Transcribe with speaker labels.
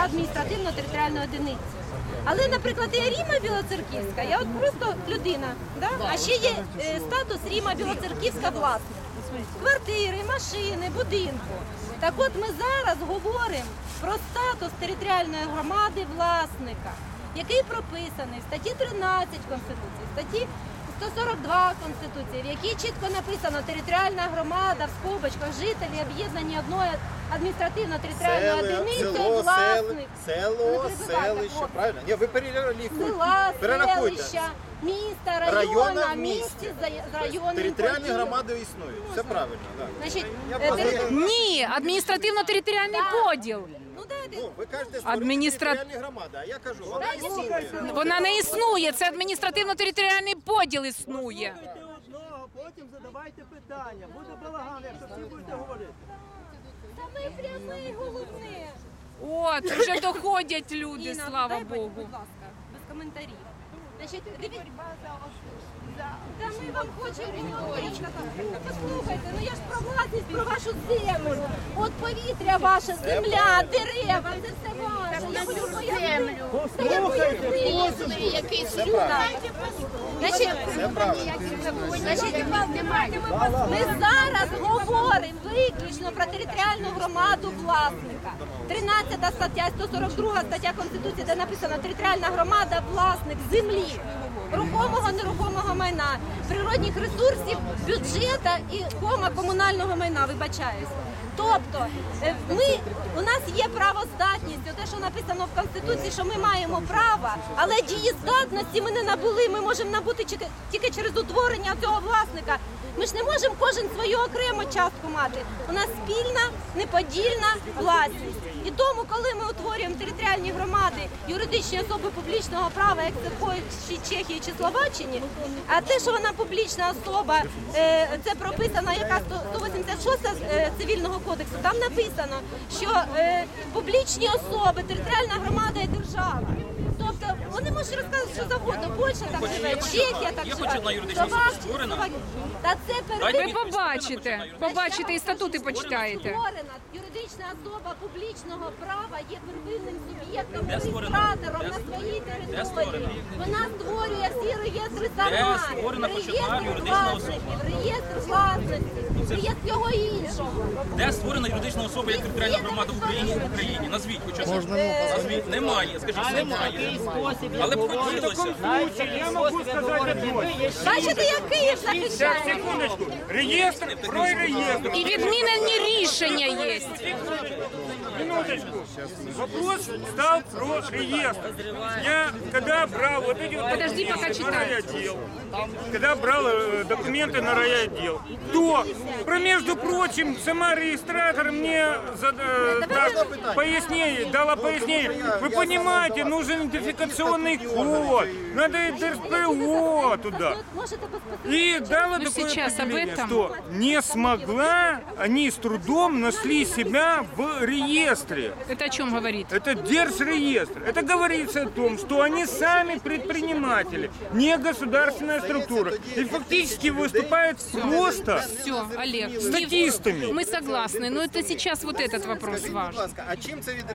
Speaker 1: адміністративно-територіальної одиниці. Але, наприклад, я Ріма Білоцерківська, я от просто людина, да? А ще є статус Ріма Білоцерківська власник. Квартири, машини, будинку. Так от ми зараз говоримо про статус територіальної громади власника, який прописаний в статті 13 Конституції, в статті 142 Конституції, в якій чітко написано територіальна громада в скобочках жителі об'єднані одною адміністративно-територіальною одиницею власник.
Speaker 2: Село, селище, правильно? Ні, ви перелікуйте.
Speaker 1: Села,
Speaker 2: Перерахуйте.
Speaker 1: селища, міста, района, місті з районним
Speaker 2: Територіальні
Speaker 1: поділом.
Speaker 2: громади існують. Все правильно. Так.
Speaker 1: Значить,
Speaker 3: Ні, адміністративно-територіальний поділ.
Speaker 1: ну дайте.
Speaker 2: Ну, ви кажете,
Speaker 3: Адміністра-
Speaker 2: територіальні громади, а я кажу, вона існує.
Speaker 3: Вона не існує, це адміністративно-територіальний поділ існує.
Speaker 4: Слухайте одного, потім задавайте питання. Буде балаган, якщо всі будете говорити.
Speaker 1: Саме пряме головне.
Speaker 3: От, вже доходять люди,
Speaker 1: Інна,
Speaker 3: слава
Speaker 1: дай,
Speaker 3: Богу.
Speaker 1: будь ласка, без коментарів. Значить, дивіться. Та ми вам хочемо говорити. Послухайте, ну я ж про власність, про вашу землю. От повітря ваше, земля, дерева, це все ваше. Я хочу землю. Якийсь юнак. Значить, ми зараз говоримо виключно про територіальну громаду власника. 13 стаття, 142 стаття Конституції, де написано територіальна громада – власник землі, рухомого, нерухомого майна, природних ресурсів, бюджета і комунального майна, вибачаюсь. Тобто у нас є правоздатність, те, що написано в Конституції, що ми маємо право, але дієздатності ми не набули, ми можемо набути тільки через утворення цього власника. Ми ж не можемо кожен свою окрему частку мати. У нас спільна, неподільна власність. І тому, коли ми утворюємо територіальні громади, юридичні особи публічного права, як це в Польщі, Чехії чи Словаччині, а те, що вона публічна особа, це прописано яка 186 Цивільного кодексу, там написано, що публічні особи, територіальна громада і держава. Тобто вони можуть розказати, що завгодно, Польща так живе, Чехія так живе, Словакія. Та це
Speaker 3: Ви побачите і статути почитаєте.
Speaker 1: Створена юридична особа публічного права є первинним суб'єктом, реєстратором на своїй території. Вона створює всі реєстри сама. Реєстр власників, реєстр власності, реєстр всього іншого.
Speaker 5: Де створена юридична особа як територіальна громада в Україні? Назвіть хоча б. Назвіть. Немає. Скажіть, немає. Але б хотілося.
Speaker 6: Я могу сказать одно.
Speaker 1: Бачите, як Київ захищає?
Speaker 6: Секундочку. Реестр, про реестр.
Speaker 3: І відмінені рішення є.
Speaker 6: Минуточку. Вопрос стал про реестр. Я когда брал вот эти вот
Speaker 3: Подожди,
Speaker 6: документы
Speaker 3: пока
Speaker 6: на
Speaker 3: читаю.
Speaker 6: райотдел, когда брал документы на райотдел, то, между прочим, сама регистратор мне дала пояснение. Вы понимаете, нужен идентификационный код, надо РПО туда. И дала такое
Speaker 3: сейчас об
Speaker 6: определение,
Speaker 3: этом.
Speaker 6: что не смогла, они с трудом нашли себя в реестре.
Speaker 3: Это о чем говорит?
Speaker 6: Это держреестр. Это говорится о том, что они сами предприниматели, не государственная структура. И фактически выступают просто
Speaker 3: Все, Олег.
Speaker 6: статистами.
Speaker 3: Мы согласны, но это сейчас вот этот вопрос
Speaker 2: Скажіть, будь
Speaker 3: важен.
Speaker 2: ласка, а чим це